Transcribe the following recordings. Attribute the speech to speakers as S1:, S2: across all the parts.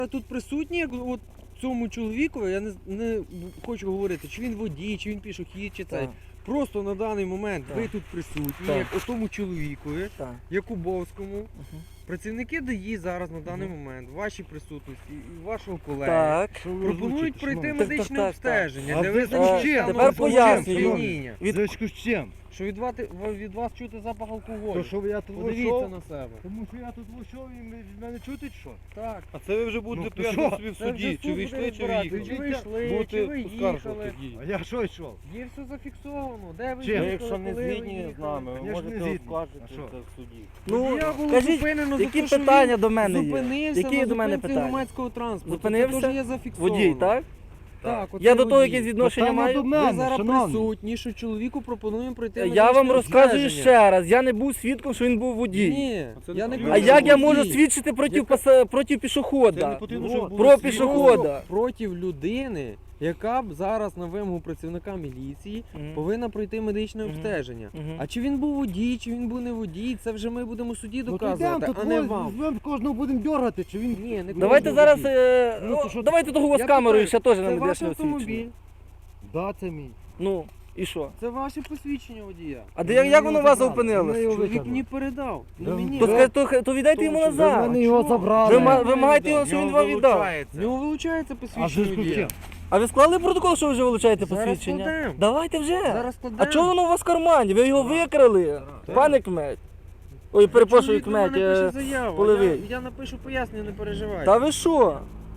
S1: Тут присутні, як от цьому чоловіку, я не хочу говорити, чи він водій, чи він пішохід, чи цей. Просто на даний момент ви тут присутні, як отому чоловікові, Якубовському. Працівники ДАІ зараз на даний момент, в вашій присутності і вашого колеги, пропонують пройти медичне обстеження, де ви
S2: тепер пояснюю.
S3: Зв'язку з чим?
S1: що від вас чути запах алкоголю.
S3: То, що я тут
S1: Подивіться
S3: вийшов,
S1: на себе.
S3: тому що я тут вийшов і від мене чути, що?
S1: Так.
S4: А це ви вже будете
S3: Ну,
S4: пояснювати собі в
S1: Це вже
S4: суді, чи
S1: суд
S4: ви
S1: буде
S4: йшли, чи ви
S1: розбиратися.
S4: їхали.
S1: Чи ви йшли, чи
S4: Будете
S1: ви
S4: оскаржувати
S1: їхали.
S4: дії.
S3: А я що йшов?
S1: Є все зафіксовано. Де ви
S3: Чим?
S1: їхали,
S4: Якщо не
S1: коли ви
S4: згідні з
S1: їхали?
S4: нами, ви
S3: Я ж не
S4: можете
S3: згідний.
S4: оскаржити
S3: А що?
S4: це в суді.
S2: Ну,
S1: Я було
S2: кажіть,
S1: зупинено за
S2: які
S1: те, що він
S2: питання до мене є?
S1: зупинився
S2: Які
S1: на
S2: до мене
S1: зупинці
S2: питання?
S1: громадського транспорту.
S2: Зупинився?
S1: Це теж є зафіксовано.
S2: Водій, так?
S1: Так, от
S2: Я
S1: це
S2: до того
S1: водій.
S2: якесь відношення
S3: Питання
S2: маю?
S3: до
S1: Ви
S3: мене,
S1: зараз
S3: шановний.
S1: присутні, що чоловіку пропонуємо пройти
S2: Я
S1: медичне
S2: вам розказую
S1: обстеження.
S2: ще раз, я не був свідком, що він був водій.
S1: Ні,
S4: Це
S1: я не
S4: не
S1: кажу,
S2: А як я можу
S1: водій.
S2: свідчити проти
S4: Це не
S2: пішохода?
S4: потрібно, щоб було
S2: Про
S4: свідомо.
S2: пішохода.
S1: Проти людини, яка б зараз на вимогу працівника міліції
S2: Мгм.
S1: повинна пройти медичне
S2: Мгм.
S1: обстеження.
S2: Мгм.
S1: А чи він був водій, чи він був не водій, це вже ми будемо в суді
S3: Ну, то
S1: доказувати,
S3: йдемо,
S1: а не вам.
S3: Ми кожного будемо дергати, чи він...
S1: Ні, не
S2: Давайте
S1: кожен
S2: зараз,
S1: водій.
S3: Ну, то що
S2: давайте того з
S1: Я
S2: камерою
S1: питаю,
S2: ще теж на
S1: Це ваш
S2: медичне
S1: автомобіль,
S2: освідчення.
S3: Да, це мій.
S2: Ну, і що?
S1: це ваше посвідчення водія.
S2: А де, як воно вас
S3: Ми
S2: опинилось?
S3: його
S1: Чоловік
S3: віддали.
S1: мені передав, не
S3: Да.
S1: мені.
S2: То віддайте йому
S3: Ви
S2: назад.
S3: мене його забрали.
S2: Ви маєте його, що він вам віддав.
S1: В нього вилучається
S3: А
S1: посвідчення
S3: зв'язку з
S1: водія.
S3: чим?
S2: А ви склали протокол, що ви вже вилучаєте
S1: Зараз
S2: посвідчення?
S1: складемо.
S2: Давайте вже.
S1: Зараз
S2: А
S1: складемо.
S2: чого воно у вас в кармані? Ви його викрали,
S1: Так.
S2: пане Кмет. Ой, перепрошую,
S1: Чоловік до мене
S2: Кмет.
S1: пише заяву,
S2: Полевий.
S1: я напишу пояснення, не переживайте.
S2: Та ви що?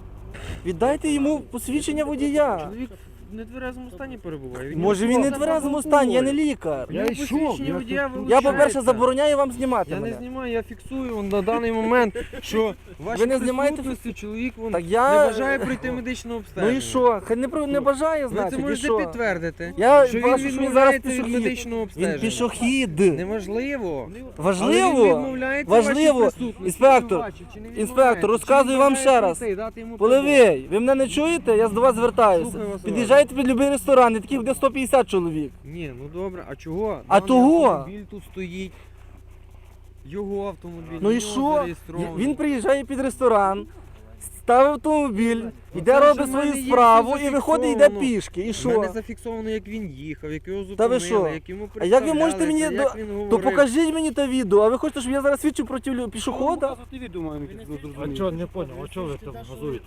S2: Віддайте йому посвідчення водія.
S1: Чоловік в нетверезому стані перебуває. Від
S2: Може
S1: нього
S2: він не в
S1: запах
S2: тверезому
S1: алкоголю.
S2: стані, я не лікар.
S1: В нього
S3: Я йшов,
S1: посвідчення
S3: я
S1: водія
S3: тут-
S2: Я, по-перше,
S1: вилучається.
S2: забороняю вам знімати
S1: Я не
S2: мене.
S1: знімаю, я фіксую на даний момент, що ваші
S2: Ви не знімаєте
S1: присутності чоловік
S2: Так
S1: не
S2: я...
S1: бажає пройти медичне обстеження.
S2: Ну і що? Хай не бажає,
S1: Ви це
S2: значить, і
S1: можете
S2: що?
S1: підтвердити,
S2: Я
S1: що він
S2: бачу, що він зараз
S1: відмовляється від
S2: пішохід.
S1: медичного обстеження.
S2: Він пішохід.
S1: Неможливо. Але він
S2: Важливо.
S1: відмовляється
S2: Важливо.
S1: вашій присутності.
S2: Інспектор,
S1: Чи бачить, чи не
S2: інспектор,
S1: відмовляється?
S2: розказую
S1: Чи
S2: вам
S1: він
S2: ще
S1: бажає
S2: раз.
S1: пройти і дати йому прибор?
S2: Полевий, ви мене не чуєте? Я до вас звертаюся.
S1: Слухаю вас,
S2: Під'їжджайте під будь-який ресторан, і таких буде 150 чоловік.
S1: Ні, ну добре, а чого?
S2: А
S1: Даний
S2: того?
S1: автомобіль тут стоїть. Його автомобіль.
S2: Ну і
S1: його
S2: що?
S1: зареєстрований.
S2: Він приїжджає під ресторан, ставить автомобіль, іде
S1: це
S2: робить
S1: вже в
S2: свою
S1: мене є
S2: справу
S1: все
S2: і виходить, йде
S1: зафіксовано.
S2: пішки. І
S1: У
S2: що?
S1: мене зафіксовано, як він їхав, як його
S2: Та ви
S1: зупинили,
S2: що?
S1: як йому
S2: А як ви можете мені
S1: представлялися, як він
S2: То
S1: говорив.
S2: покажіть мені те відео, а ви хочете, щоб я зараз свідчив проти пішохода?
S3: А чого, не понял, а чого ви там газуєте?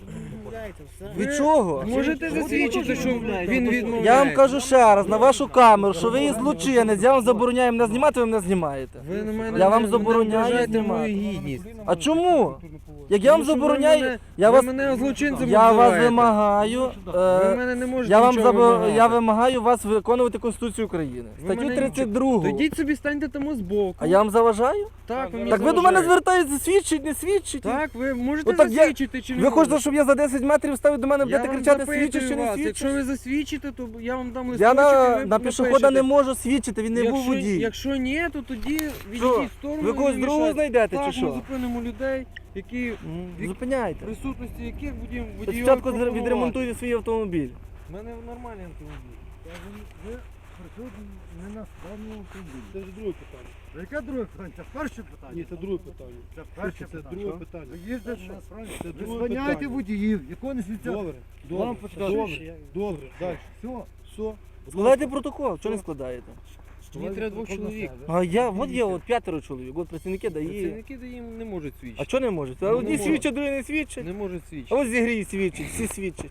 S2: Від чого?
S1: Можете засвідчити, що він відмовляється?
S2: Я вам кажу ще раз, на вашу камеру, що ви є злочинець, я вам забороняю мене знімати, ви мене знімаєте.
S1: Ви на мене
S2: Я вам
S1: не
S2: забороняю
S1: ображаєте
S2: знімати.
S1: мою гідність.
S2: А чому? Як я вам
S1: Тому що
S2: забороняю,
S1: ви мене злочинцем
S2: я вас
S1: називаєте.
S2: вимагаю,
S1: Ви мене не можете
S2: я вам
S1: нічого вимагати.
S2: я вимагаю вас виконувати Конституцію України.
S1: Ви
S2: Статтю
S1: мене
S2: 32.
S1: То йдіть собі, станьте тому збоку.
S2: А я вам заважаю?
S1: Так, ви мені
S2: Так ви до мене
S1: заважаєте.
S2: звертаєтеся, свідчить, не свідчить?
S1: Так, ви можете
S2: Отак я-
S1: засвідчити чи не
S2: Ви хочете,
S1: можете?
S2: щоб я за 10 метрів став до мене
S1: Я
S2: будете
S1: вам
S2: кричати,
S1: запитую
S2: свідчиш чи не
S1: вас.
S2: свідчиш?
S1: Якщо ви засвідчите, то я вам дам
S2: Я
S1: листочок, і ви
S2: на пішохода
S1: напишете.
S2: не можу свідчити, він не був
S1: Якщо-
S2: водій.
S1: Якщо ні, то тоді
S2: Що?
S1: відійдіть в сторону.
S2: Ви когось
S1: не
S2: другого
S1: мішайте.
S2: знайдете
S1: Так,
S2: чи
S1: ми
S2: що?
S1: зупинимо людей, які
S2: Зупиняйте.
S1: присутності яких водіїв
S2: Спочатку відремонтуйте свій автомобіль.
S1: У мене нормальний автомобіль.
S3: Ви присутні не на своєму автомобілі.
S4: Це ж друге питання.
S3: Яке друге питання? Це перше питання?
S4: Ні, це друге питання.
S3: Це перше
S4: Це
S3: питання.
S4: друге питання.
S3: Ви їздите що?
S4: Це
S3: Ви
S4: друге
S3: зганяєте
S4: питання.
S3: водіїв, якого не світять.
S4: Добре,
S3: Вам
S4: добре,
S3: почитати.
S4: добре, добре, далі.
S3: Все.
S4: Все.
S2: Складайте протокол, чого не складаєте?
S1: Мені треба двох чоловік.
S2: А я, от є от 5 чоловік, от працівники дає.
S1: Працівники їм не можуть
S2: А
S1: свідчити.
S2: чого не можуть? А
S1: Ну,
S2: одні
S1: не
S2: свідчать, другі не свідчать.
S1: Не можуть
S2: А
S1: свідчити.
S2: ось зігрій свідчать, всі свідчать.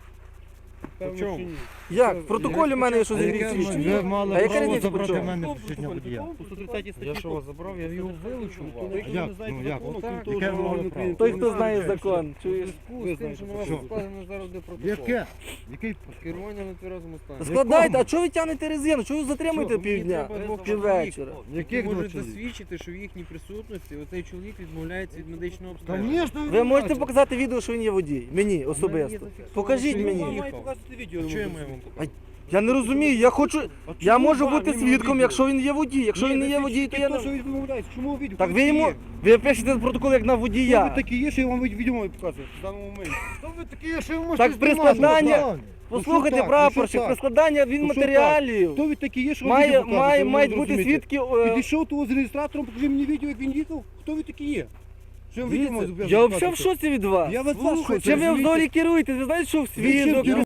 S1: В чому?
S2: Як? В протоколі в мене є, що
S1: А
S2: зігрій
S1: яке
S2: свідчать.
S3: Ви мали
S2: А яка
S3: право
S2: різниця
S3: забрати
S2: при чому?
S3: мене посвідчення водія.
S1: Я що вас забрав, я його вилучу.
S3: А як? Ну як?
S1: Так,
S3: Яке ви мали право?
S2: Той, хто знає закон, чуєш?
S1: З тим, що на вас
S3: Що?
S1: складено зараз буде протокол.
S3: Яке? Який?
S1: Керування на тверезому стані.
S2: Складайте, а чого ви тягнете резину? Чого ви затримуєте
S1: Мені
S2: півдня?
S1: треба двох
S2: Піввечора.
S1: чоловік,
S3: Яких
S1: які
S3: двох
S1: можуть
S3: чоловік?
S1: засвідчити, що в їхній присутності оцей чоловік відмовляється від медичного обстеження.
S3: Конечно,
S2: Ви можете показати відео, що він є водій? Мені особисто.
S1: зафіксовано,
S2: Покажіть
S1: що він
S2: мені.
S1: їхав.
S4: Має показати відео.
S1: Що я маю вам показати?
S2: Я не розумію, я хочу. Я можу бути свідком, якщо він є водій. Якщо він не є водій, то я
S4: що
S2: не.
S4: він відмовляється. Чому відео?
S2: Так ви йому. Ви пишете протокол як на
S4: Хто ви
S2: водія.
S4: такі є, що я вам відео маю показувати в даному моменті?
S3: Хто ви такі, що ви можете
S2: Так при
S3: знімати?
S2: складанні.
S3: Правильно.
S2: Послухайте,
S4: Ну, що так?
S2: прапорщик,
S4: Ну, що
S2: при
S4: так?
S2: складанні він
S4: Ну, що
S2: матеріалів.
S4: Хто ви такі є, що вам відео показувати? Ви
S2: Мають
S4: не
S2: бути
S4: розумієте.
S2: свідки.
S4: Підійшов того з реєстратором, покажи мені відео, як він їхав. Хто ви такі є? Що я відео можу
S2: Я взагалі в шоці від вас.
S4: Я від вас в шоці,
S2: Чим ви
S4: розумієте?
S2: взагалі керуєте? Ви знаєте, що в
S4: Ви чим
S2: свідок,